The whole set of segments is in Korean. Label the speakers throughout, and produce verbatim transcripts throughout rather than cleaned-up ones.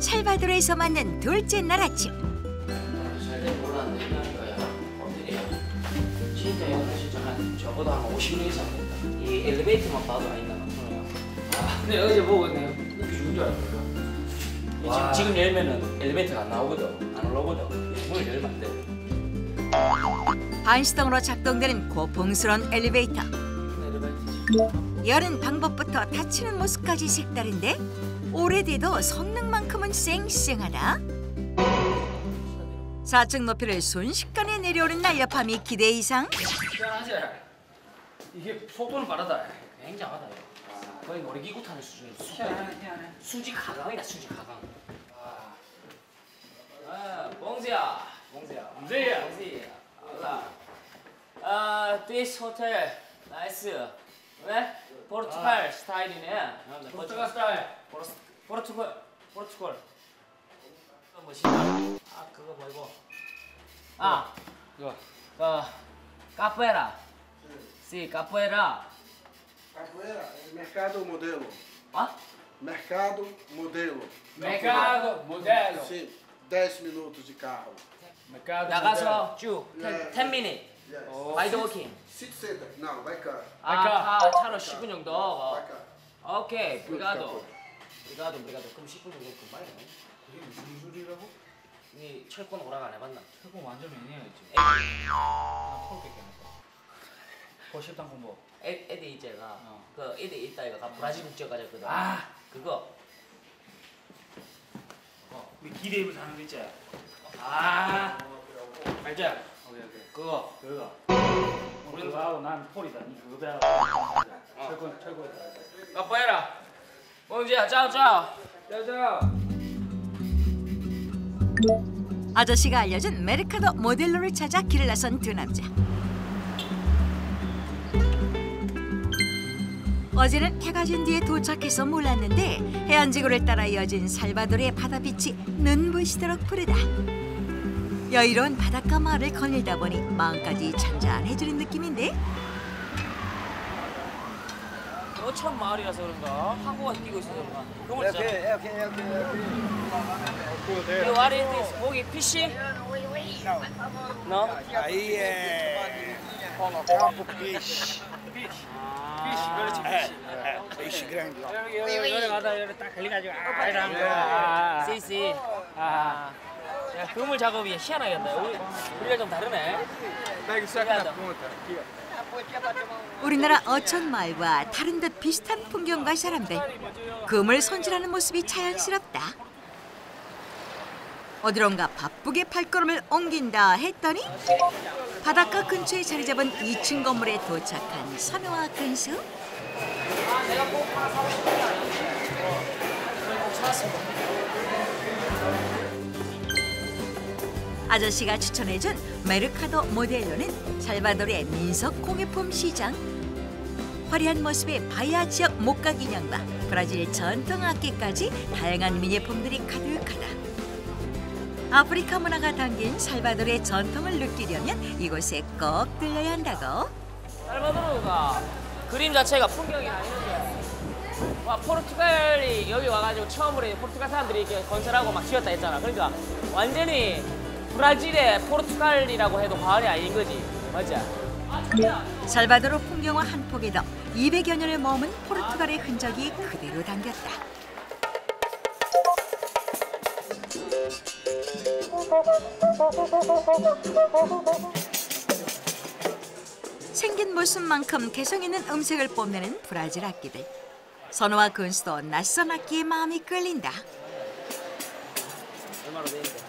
Speaker 1: 살바도르에서 만난 둘째 날 아침.
Speaker 2: 잘 몰랐네. 진짜 여기 진짜 한 저보다 한 오십 년 이상 된다. 이 엘리베이터만 봐도 아닌다. 아, 근데 어제 보고 내가 이렇게 죽은 줄 알았거든. 지금, 지금 열면은 엘리베이터가 안 나오거든. 안 올라오거든. 문을 열면 안 돼.
Speaker 1: 반시동으로 작동되는 고풍스러운 엘리베이터. 여는 방법부터 닫히는 모습까지 색다른데 오래돼도 성능만큼은 쌩쌩하다. 사 층 높이를 순식간에 내려오는 날렵함이 기대 이상.
Speaker 2: 희한하지? 이게 속도는 빠르다. 굉장하다. 아, 거의 놀이기구 타는 수준의 희한하네, 희한해. 수직 하강이다, 수직 하강. 아, 아 봉지야. 봉지야. 봉지야. 봉지야. 알라. 아, this hotel nice. 왜? 포르투갈 아. 스타일이네. 포르투갈 스타일. 포르, 포르투갈. 포르투갈. 그거 뭐지? 아, 그거 뭐이고? 아, 그거. 그 카포에라. 시, 카포에라.
Speaker 3: Capoeira é mercado ou modelo?
Speaker 2: 아?
Speaker 3: Mercado modelo.
Speaker 4: Mercado modelo.
Speaker 3: Sim, dez minutos de carro.
Speaker 4: Mercado
Speaker 2: 나가서 쭉
Speaker 3: 예.
Speaker 2: ten minutes.
Speaker 3: Yes.
Speaker 2: Ride walking.
Speaker 3: Sit center. Não, vai cá.
Speaker 2: 아, 아, 차로 십 분 정도.
Speaker 3: Vai cá.
Speaker 2: 오케이, 브리가도. 브리가도, 브리가도. 그럼 십 분 정도 금방이네.
Speaker 4: 그게 무슨 소리라고?
Speaker 2: 니 철권 오락 안 해봤나?
Speaker 4: 최고 완전 매니아였지.
Speaker 2: 에디,
Speaker 4: 나 폴 뺏겨놨어. 고십당 공부.
Speaker 2: 에, 에디 이제가
Speaker 4: 어.
Speaker 2: 그 에디 있다 이거 브라질 국적 가졌거든.
Speaker 4: 아,
Speaker 2: 그거.
Speaker 4: 어, 우리 기대 입을 사는 거 있지? 아, 알지? 오케이 오케이. 그거, 그거. 우리 그거하고 난 폴이다. 니 그거 배워. 철권, 철권.
Speaker 2: 까뽀해라. 봉지야, 짜오 짜오.
Speaker 4: 짜오 짜오.
Speaker 1: 아저씨가 알려준 메르카도 모델로를 찾아 길을 나선 두 남자. 어제는 해가 진 뒤에 도착해서 몰랐는데 해안지구를 따라 이어진 살바도르의 바다빛이 눈부시도록 푸르다. 여유로운 바닷가 마을을 거닐다 보니 마음까지 잔잔해지는 느낌인데.
Speaker 2: 너 처음 마을이라서 그런가? 한국어 끼고 있어서 그런가? 그걸
Speaker 3: Ok,
Speaker 2: 진짜.
Speaker 3: ok, ok, ok.
Speaker 2: You are it? 고기 피시? No.
Speaker 3: Aí é campo peixe.
Speaker 4: 피시, 그렇지, 피시.
Speaker 3: Peixe grande.
Speaker 4: 여기, 여기, 여기 가다 여기 딱 걸려가지고 아, 이런 거. 아,
Speaker 2: 씨씨.
Speaker 4: 아,
Speaker 2: 야, 그물 작업이 희한하겠다. 우리, 우리가 좀 다르네.
Speaker 3: Pega isso aqui na ponta. Aqui, ó.
Speaker 1: 우리나라 어촌마을과 다른 듯 비슷한 풍경과 사람들. 금을 손질하는 모습이 자연스럽다. 어디론가 바쁘게 발걸음을 옮긴다 했더니 바닷가 근처에 자리 잡은 이 층 건물에 도착한 선우와 근수.
Speaker 2: 아, 내가 꼭 하나 사고 싶은 게 아니었는데. 저희 꼭 찾았습니다.
Speaker 1: 아저씨가 추천해준 메르카도 모델로는 살바도르의 민속 공예품 시장. 화려한 모습의 바이아 지역 목각 인형과 브라질 전통 악기까지 다양한 미니품들이 가득하다. 아프리카 문화가 담긴 살바도르의 전통을 느끼려면 이곳에 꼭 들려야 한다고.
Speaker 2: 살바도르가 그림 자체가 풍경이 아니는데 와, 포르투갈이 여기 와가지고 처음으로 포르투갈 사람들이 이렇게 건설하고 막 지었다 했잖아. 그러니까 완전히 브라질의 포르투갈이라고 해도 과언이 아닌 거지. 맞지? 아, 자기야.
Speaker 1: 살바도르 풍경화 한 폭에도 이백여 년을 머문 포르투갈의 흔적이 그대로 담겼다. 생긴 모습만큼 개성 있는 음색을 뽐내는 브라질 악기들. 선우와 근수도 낯선 악기에 마음이 끌린다.
Speaker 2: 얼마나 돼 있는데?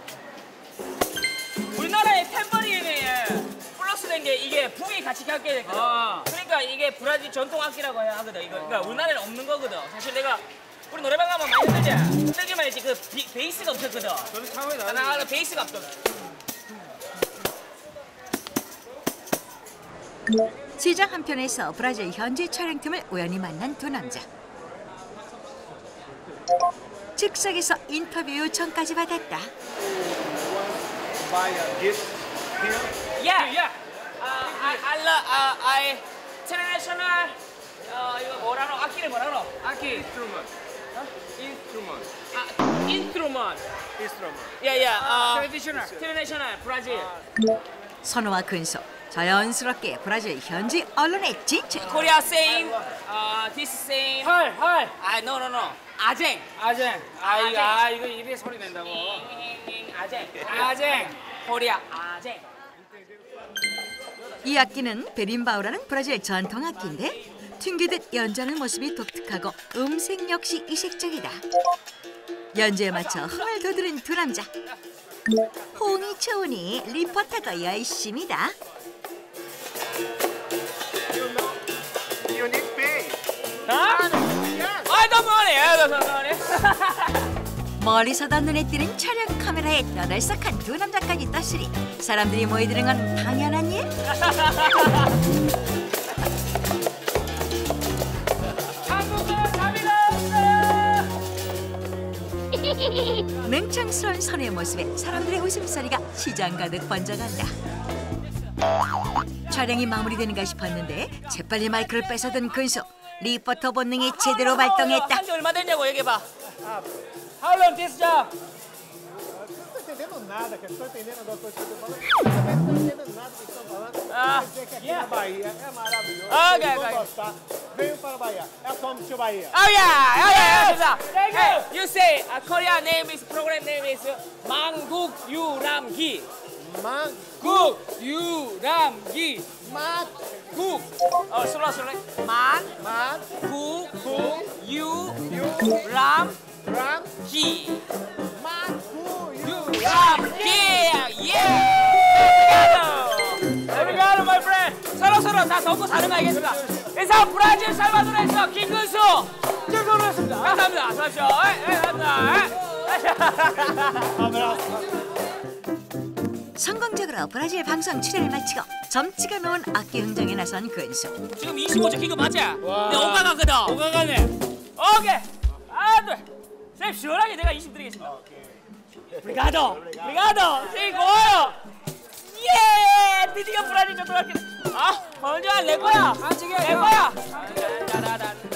Speaker 2: 우리나라의 탬버린에 플러스 된 게 이게 북이 같이 깎게 됐거든.
Speaker 4: 아.
Speaker 2: 그러니까 이게 브라질 전통 악기라고 해야 하거든. 이거 그러니까 우리나라에는 없는 거거든. 사실 내가 우리 노래방 가면 많이 흔들지. 흔들기만 했지 그 비, 베이스가 없었거든.
Speaker 4: 저는 차원이
Speaker 2: 나 나는 베이스가 없거든.
Speaker 1: 시장 한편에서 브라질 현지 촬영팀을 우연히 만난 두 남자. 즉석에서 인터뷰 요청까지 받았다.
Speaker 2: Yeah, yeah. Uh, I, I love, uh, I international. 어 이거 뭐라노? 악기를 뭐라노?
Speaker 4: 악기 인스트루먼트.
Speaker 2: 어?
Speaker 3: Instrument.
Speaker 2: 아, 인스트루먼트.
Speaker 3: Instrument.
Speaker 2: 예, 예. 아,
Speaker 3: Traditional.
Speaker 2: 트레디셔널 브라질.
Speaker 1: 선호와 근소 자연스럽게 브라질 현지 언론에 진출.
Speaker 2: 코리아 same. 아, this same.
Speaker 4: 헐, 헐.
Speaker 2: 아, no, no, no. 아쟁.
Speaker 4: 아쟁. 아, 이거, 아, 이거 입에 소리 낸다고.
Speaker 2: 아쟁.
Speaker 4: 아쟁.
Speaker 2: 코리아 아쟁.
Speaker 1: 이 악기는 베림바우라는 브라질 전통 악기인데 튕기듯 연주하는 모습이 독특하고 음색 역시 이색적이다. 연주에 맞춰 흥을 돋우는 두 남자. 호응이 좋으니 리포터가 열심이다.
Speaker 3: You need pay.
Speaker 2: 아? 아, 너무 하네. 너무 하네.
Speaker 1: 멀리서도 눈에 띄는 촬영 카메라에 떠들썩한 두 남자까지 떴으니 사람들이 모이드는 건 당연한 일.
Speaker 2: 한국어 답이다.
Speaker 1: 냉창스러운 선의 모습에 사람들의 웃음소리가 시장 가득 번져간다. 촬영이 마무리되는가 싶었는데 재빨리 마이크를 뺏어든 근소. 리포터 본능이 제대로 발동했다.
Speaker 2: 한지 얼마 됐냐고 얘기해봐.
Speaker 4: How long this job?
Speaker 5: Não estou entendendo nada, que eu estou entendendo das coisas que eu estou falando. Eu também não estou entendendo nada do que estão falando.
Speaker 2: Ah,
Speaker 5: Quer dizer que aqui na Bahia é maravilhoso.
Speaker 2: Ah,
Speaker 5: Vocês
Speaker 2: ok,
Speaker 5: vão
Speaker 2: ok.
Speaker 5: gostar. Venham para a Bahia. É como tio Bahia.
Speaker 2: Oh yeah, oh yeah, yeah. Thank you. Hey, you say uh, Korea name is program name is 망국 유람기.
Speaker 5: Mangu,
Speaker 2: 유람기.
Speaker 5: Mangu,
Speaker 2: 어, 슬로 슬로. 만,
Speaker 5: Mangu,
Speaker 2: 구, 유, 람,
Speaker 5: Ram,
Speaker 2: 기.
Speaker 5: Mangu, Yu.
Speaker 2: 유람기. 예. There we go, my friend. 서로 서로 다 돕고 사는 거 알겠습니다. 이상 브라질 살바도르에서 김근수. 김근수였습니다. 감사합니다. 수고하십시오. 예, 예, 감사합니다.
Speaker 5: Abraço.
Speaker 1: 성공적으로 브라질 방송 출연을 마치고 점치가 놓은 악기 흥정에 나선 근소.
Speaker 2: 지금 이십오 점 킨거 맞지? 내 오가 가거든.
Speaker 4: 오가 가네.
Speaker 2: 오케이. 아, 네. 쌤 시원하게 내가 이십 드리겠습니다. 브리가도. 브리가도. 쌤 고마워요. 예! 드디어 브라질 초등학교. 아, 먼저 내 거야. 내 거야.